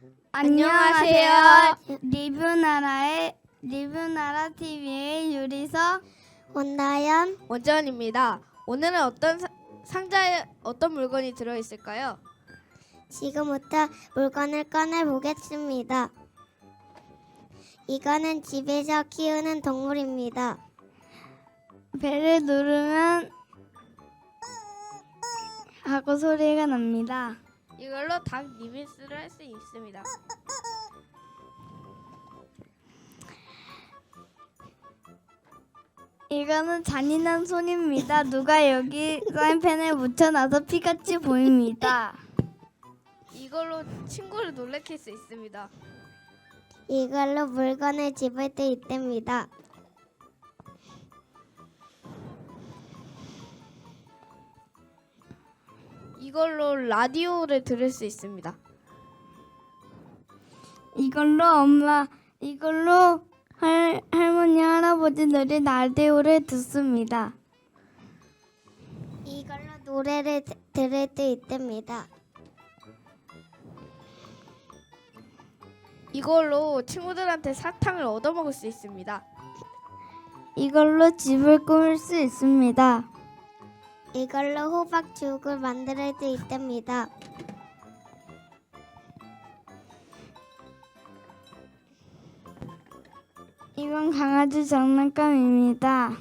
안녕하세요. 리뷰나라 TV의 유리서 원다연 원전입니다. 오늘은 상자에 어떤 물건이 들어있을까요? 지금부터 물건을 꺼내 보겠습니다. 이거는 집에서 키우는 동물입니다. 배를 누르면 하고 소리가 납니다. 이걸로 닭 리믹스를 할 수 있습니다. 이거는 잔인한 손입니다. 누가 여기 사인펜을 묻혀놔서 피같이 보입니다. 이걸로 친구를 놀래킬 수 있습니다. 이걸로 물건을 집을 때 있답니다. 이걸로 라디오를 들을 수 있습니다. 이걸로 할머니 할아버지들이 라디오를 듣습니다. 이걸로 노래를 들을 때 있답니다. 이걸로 친구들한테 사탕을 얻어먹을 수 있습니다. 이걸로 집을 꾸밀 수 있습니다. 이걸로 호박죽을 만들 때 있답니다. 이건 강아지 장난감입니다.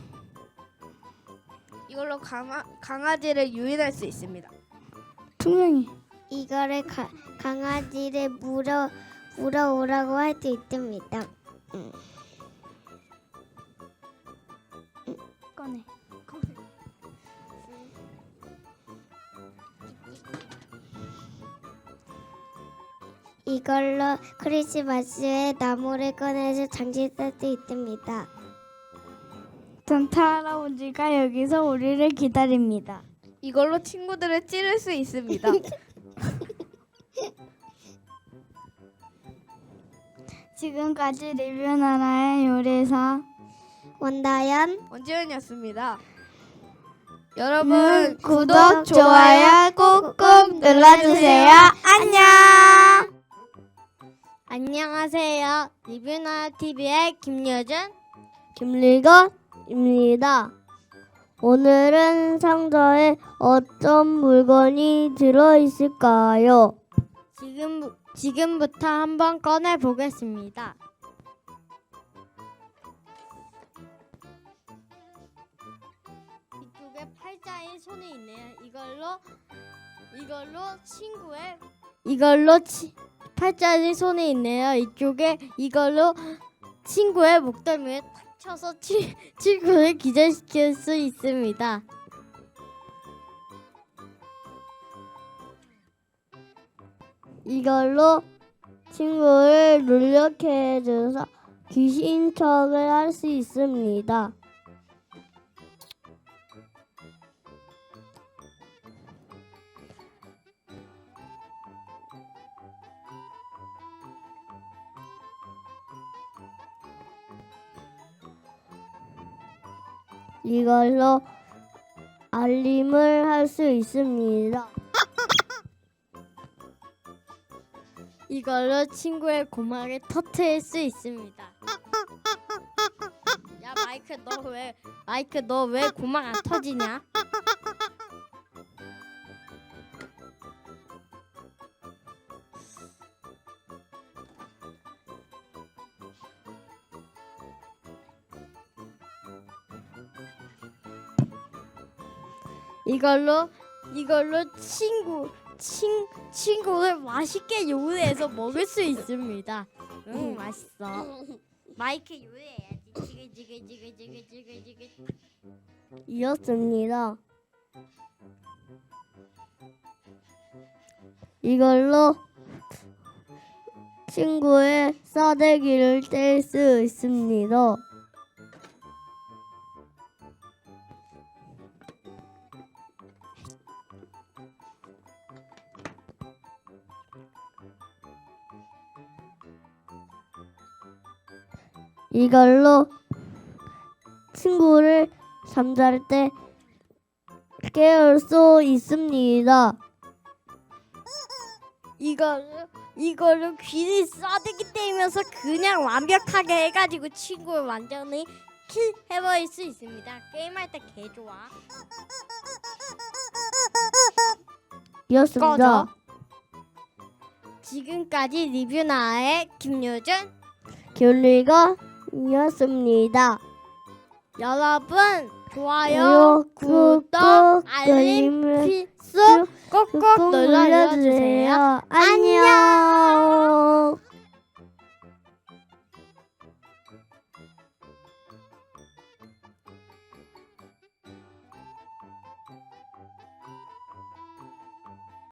이걸로 강아지를 유인할 수 있습니다. 투명해. 이거를 강아지를 물어오라고 할 때 있답니다. 꺼내. 이걸로 크리스마스에 나무를 꺼내서 장식 쓸 때 있답니다. 산타 할아버지가 여기서 우리를 기다립니다. 이걸로 친구들을 찌를 수 있습니다. 지금까지 리뷰나라의 요리사 원다연 원지연이었습니다. 여러분 구독, 좋아요 꾹꾹 눌러주세요. 안녕. 안녕하세요. 리뷰나 TV의 김여준, 김리건입니다. 오늘은 상자에 어떤 물건이 들어있을까요? 지금부터 한번 꺼내 보겠습니다. 이쪽에 팔자에 손이 있네요. 팔자에 손이 있네요. 이걸로 친구의 목덜미에 탁 쳐서 친구를 기절시킬 수 있습니다. 이걸로 친구를 놀래게 해줘서 귀신 척을 할 수 있습니다. 이걸로 알림을 할 수 있습니다. 이걸로 친구의 고막을 터트릴 수 있습니다. 야 마이크 너 왜 고막 안 터지냐? 이걸로 친구를 맛있게 요리해서 먹을 수 있습니다. 맛있어. 마이크 요리해야지. 지글지글. 이었습니다. 이걸로 친구의 싸대기를 뗄 수 있습니다. 이걸로 친구를 잠잘 때 깨울 수 있습니다. 이거를 귀를 싸대기 때리면서 그냥 완벽하게 해가지고 친구를 완전히 킬해버릴 수 있습니다. 게임할 때 개 좋아. 이었습니다. 지금까지 리뷰 나의 김유준 귤리가 이었습니다. 여러분 좋아요, 구독, 알림 필수 꾹꾹 눌러주세요. 안녕.